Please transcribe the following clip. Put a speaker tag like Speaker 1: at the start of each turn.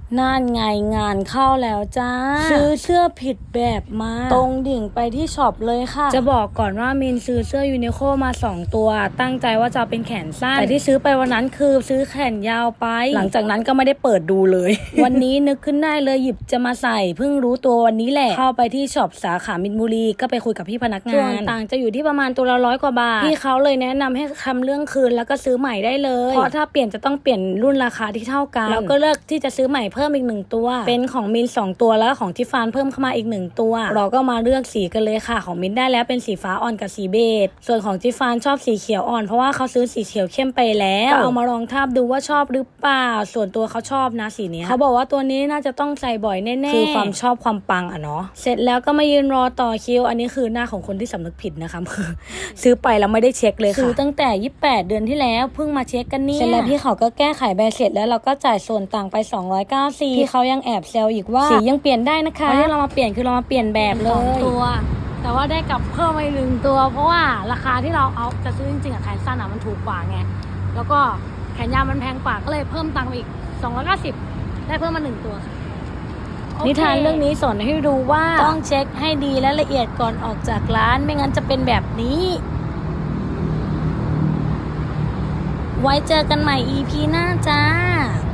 Speaker 1: นั่นไงงานเข้าแล้วจ้าซื้อเสื้อผิดแบบมาตรงดิ่งไปที่ช็อปเลยค่ะจะบอกก่อนว่ามินซื้อเสื้อยูนิโคมา2ตัวตั้งใจว่าจะเป็นแขนสั้นแต่ที่ซื้อไปวันนั้นคือซื้อแขนยาวไปหลังจากนั้นก็ไม่ได้เปิดดูเลย วันนี้นึกขึ้นได้เลยหยิบจะมาใส่เพิ่งรู้ตัววันนี้แหละเข้าไปที่ช็อปสาขามินบุรีก็ไปคุยกับพี่พนักงานส่วนต่างจะอยู่ที่ประมาณตัวละ100 กว่าบาทพี่เขาเลยแนะนำให้ทำเรื่องคืนแล้วก็ซื้อใหม่ได้เลยเพราะถ้าเปลี่ยนจะต้องเปลี่ยนรุ่นราคาที่เท่ากันแล้วก็เลือกที่จะซื้อใหม่เพิ่มอีก1ตัวเป็นของมิน2ตัวแล้วของทิฟฟานเพิ่มเข้ามาอีก1ตัวเราก็มาเลือกสีกันเลยค่ะของมินได้แล้วเป็นสีฟ้าอ่อนกับสีเบจส่วนของทิฟฟานชอบสีเขียวอ่อนเพราะว่าเขาซื้อสีเขียวเข้มไปแล้วก็เอามาลองทาบดูว่าชอบหรือเปล่าส่วนตัวเขาชอบนะสีนี้เขาบอกว่าตัวนี้น่าจะต้องใส่บ่อยแน่ๆคือความชอบความปังอ่ะเนาะเสร็จแล้วก็มายืนรอต่อคิวอันนี้คือหน้าของคนที่สำนึกผิดนะคะคือซื้อไปแล้วไม่ได้เช็คเลยค่ะซื้อตั้งแต่28 เดือนที่แล้วเพิ่งมาเช็คกันเนี่ยเสร็จแล้วพี่เขาก็แก้ไขใบเสร็จแล้วเราก็จ่ายส่วนต่างไป290พี่เขายังแอบแซวอีกว่าสียังเปลี่ยนได้นะคะที่เรามาเปลี่ยนคือเรามาเปลี่ยนแบบเลย
Speaker 2: ตัวแต่ว่าได้กับเพิ่มมาอีก1ตัวเพราะว่าราคาที่เราเอาจะซื้อจริงๆอะแขนสั้นอะมันถูกกว่าไงแล้วก็แขนยาวมันแพงกว่าก็เลยเพิ่มตังค์อีก290ได้เพิ่มมา1ตัวค่ะ
Speaker 1: นิทานเรื่องนี้สอนให้รู้ว่าต้องเช็คให้ดีและละเอียดก่อนออกจากร้านไม่งั้นจะเป็นแบบนี้ไว้เจอกันใหม่ EP หน้าจ้า